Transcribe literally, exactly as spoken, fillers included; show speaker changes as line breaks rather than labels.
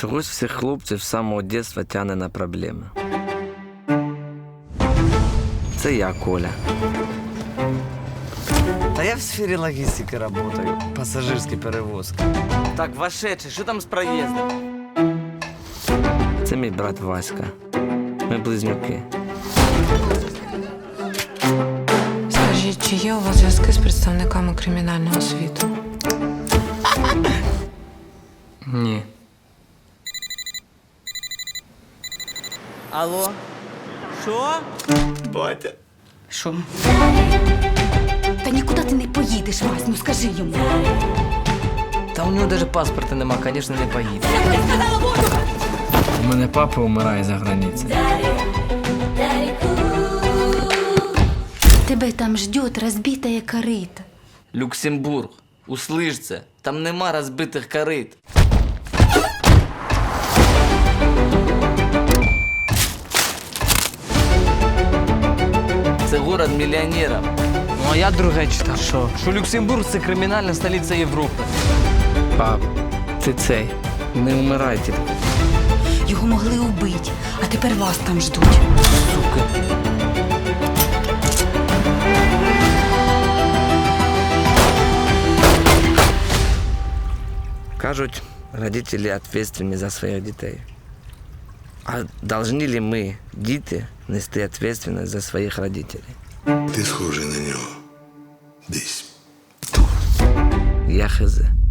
Чогось всіх хлопців з самого дитинства тягне на проблеми. Це я, Коля.
Та я в сфері логістики працюю, пасажирські перевозки.
Так, вошедший, що там з проїздом?
Це мій брат Васька. Ми близнюки.
Скажіть, чи є у вас зв'язки з представниками кримінального світу?
Ні.
Алло? Що?
Що? Та нікуди ти не поїдеш, Вась, ну скажи йому.
Та у нього навіть паспорта нема, звісно, не поїде.
У мене папа вмирає за границею.
Тебе там ждет розбитая корита.
Люксембург, услиш це, там нема розбитих корит. Це город мільйонерів.
Ну а я друге читав. Що? Що Люксембург це кримінальна столиця Європи.
Пап, ти цей, не вмирайте.
Його могли убити, а тепер вас там ждуть.
Сука.
Кажуть, родителі відповідальні за своїх дітей. А повинні ли ми, діти, нести відповідальність за своїх родителей?
Ти схожий на нього. Десь.
Я хз.